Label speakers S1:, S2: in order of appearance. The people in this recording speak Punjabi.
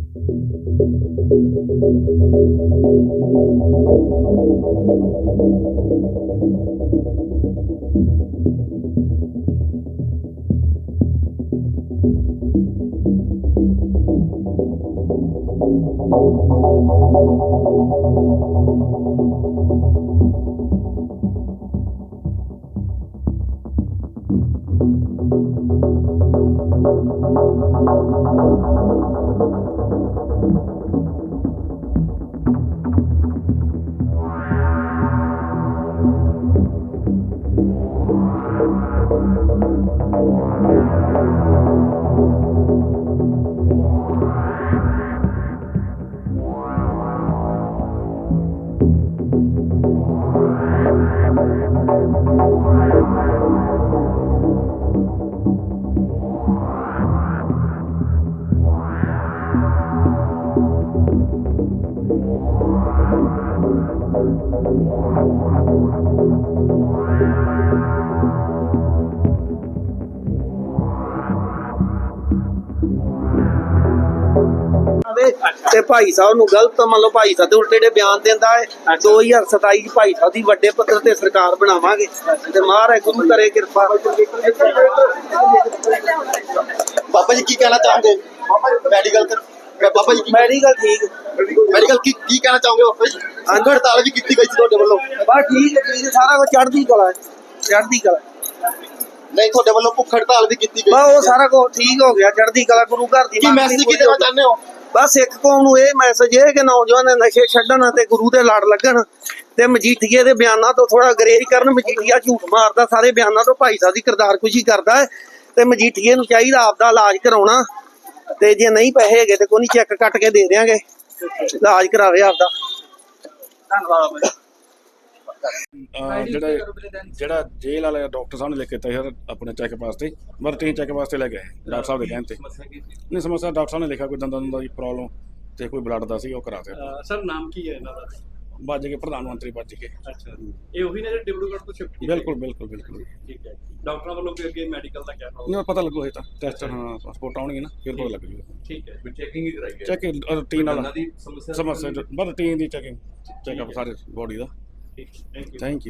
S1: ਤੇ ਭਾਈ ਸਾਹਿਬ ਨੂੰ ਗਲਤ ਮੰਨ ਲਓ, ਭਾਈ ਸਾਹਿਬ ਦੇ ਉਲਟੇ ਜਿਹੜੇ ਬਿਆਨ ਦਿੰਦਾ ਹੈ। 2027 ਚ ਭਾਈ ਸਾਹਿਬ ਦੀ ਵੱਡੇ ਪੱਧਰ ਤੇ ਸਰਕਾਰ ਬਣਾਵਾਂਗੇ ਤੇ ਮਹਾਰਾਜ ਗੁਰੂ ਕਰੇ ਕਿਰਪਾ।
S2: ਬਾਬਾ ਜੀ ਕੀ ਕਹਿਣਾ ਚਾਹੋਗੇ ਮੈਡੀਕਲ ਬਾਬਾ ਜੀ
S1: ਮੈਡੀਕਲ ਠੀਕ
S2: ਮੈਡੀਕਲ ਕੀ ਕਹਿਣਾ ਚਾਹੋਗੇ ਬਾਬਾ ਜੀ? ਅੰਗ ਹੜਤਾਲ ਵੀ ਕੀਤੀ ਗਈ ਸੀ ਤੁਹਾਡੇ ਵੱਲੋਂ।
S1: ਬਸ ਠੀਕ ਹੈ, ਸਾਰਾ ਕੁਝ ਚੜ੍ਹਦੀ ਕਲਾ ਚੜ੍ਹਦੀ ਕਲਾ।
S2: ਨਹੀਂ, ਤੁਹਾਡੇ ਵੱਲੋਂ ਭੁੱਖ ਹੜਤਾਲ ਵੀ ਕੀਤੀ ਗਈ।
S1: ਬਸ ਉਹ ਸਾਰਾ ਕੁਝ ਠੀਕ ਹੋ ਗਿਆ, ਚੜ੍ਹਦੀ ਕਲਾ ਗੁਰੂ ਘਰ ਦੀ।
S2: ਕੀ ਮੈਸੇਜ ਕੀ ਦੇਣਾ ਚਾਹੁੰਦੇ ਹੋ?
S1: ਬਸ ਇੱਕ ਕੌਮ ਨੂੰ ਇਹ ਮੈਸੇਜ ਹੈ ਕਿ ਨੌਜਵਾਨ ਨਸ਼ੇ ਛੱਡਣ ਤੇ ਗੁਰੂ ਦੇ ਲੜ ਲੱਗਣ ਤੇ ਮਜੀਠੀਏ ਦੇ ਬਿਆਨਾਂ ਤੋਂ ਥੋੜਾ ਗਰੇਜ ਕਰਨ। ਮਜੀਠੀਆ ਝੂਠ ਮਾਰਦਾ ਸਾਰੇ ਬਿਆਨਾਂ ਤੋਂ, ਭਾਈ ਸਾਹਿਬ ਦੀ ਕਿਰਦਾਰਕੁਸ਼ੀ ਕਰਦਾ ਹੈ ਤੇ ਮਜੀਠੀਏ ਨੂੰ ਚਾਹੀਦਾ ਆਪਦਾ ਇਲਾਜ ਕਰਾਉਣਾ। ਤੇ ਜੇ ਨਹੀਂ ਪੈਸੇ ਹੈਗੇ ਤੇ ਕੋਈ ਨਹੀਂ, ਚੈੱਕ ਕੱਟ ਕੇ ਦੇ ਦਿਆਂਗੇ, ਇਲਾਜ ਕਰਾਵੇ ਆਪਦਾ। ਧੰਨਵਾਦ।
S3: ਜਿਹੜਾ ਜੇਲ੍ਹ ਵਾਲੇ ਡਾਕਟਰ ਸਾਹਿਬ ਨੇ ਲਿਖ ਕੇ ਦਿੱਤਾ ਸਰ ਆਪਣੇ ਚੈੱਕਅਪ ਵਾਸਤੇ, ਰੂਟੀਨ ਚੈੱਕਅਪ ਵਾਸਤੇ ਲੈ ਗਏ ਡਾਕਟਰ ਸਾਹਿਬ ਦੇ ਕਹਿਣ ਤੇ। ਨਹੀਂ ਸਮੱਸਿਆ ਡਾਕਟਰ ਸਾਹਿਬ ਨੇ ਲਿਖਿਆ ਕੋਈ ਦੰਦਾਂ ਦੀ ਪ੍ਰੋਬਲਮ ਤੇ ਕੋਈ ਬਲੱਡ ਦਾ ਸੀ, ਉਹ ਕਰਾ ਦਿੱਤਾ।
S4: ਸਰ ਨਾਮ ਕੀ ਹੈ ਇਹਨਾਂ ਦਾ?
S3: ਭੱਜ ਕੇ ਪ੍ਰਧਾਨ ਮੰਤਰੀ ਭੱਜ ਕੇ।
S4: ਅੱਛਾ, ਇਹ ਉਹੀ ਨੇ ਜਿਹੜੇ ਡਿਬਰੂਗੜ੍ਹ ਤੋਂ ਸ਼ਿਫਟ ਕੀਤੇ?
S3: ਬਿਲਕੁਲ ਬਿਲਕੁਲ ਬਿਲਕੁਲ।
S4: ਠੀਕ ਹੈ। ਡਾਕਟਰਾਂ ਵੱਲੋਂ ਫਿਰ ਅੱਗੇ ਮੈਡੀਕਲ ਦਾ ਕਿਆ ਹੋਊਗਾ?
S3: ਨਹੀਂ ਪਤਾ ਲੱਗੂ ਇਹ ਤਾਂ ਟੈਸਟ, ਹਾਂ ਪਾਸਪੋਰਟ ਆਉਣਗੇ ਨਾ ਫਿਰ ਪਤਾ ਲੱਗ ਜੂਗਾ।
S4: ਠੀਕ ਹੈ।
S5: ਚੈਕਿੰਗ ਹੀ ਕਰਾਈ
S3: ਚੈਕਿੰਗ ਰੂਟੀਨ ਨਾਲ
S5: ਦੀ ਸਮੱਸਿਆ
S3: ਬਸ ਰੂਟੀਨ ਦੀ ਚੈਕਿੰਗ ਚੈੱਕਅਪ ਸਾਰੇ ਬੋਡੀ ਦਾ।
S4: ਠੀਕ ਹੈ, ਥੈਂਕ ਯੂ।
S3: Thank you.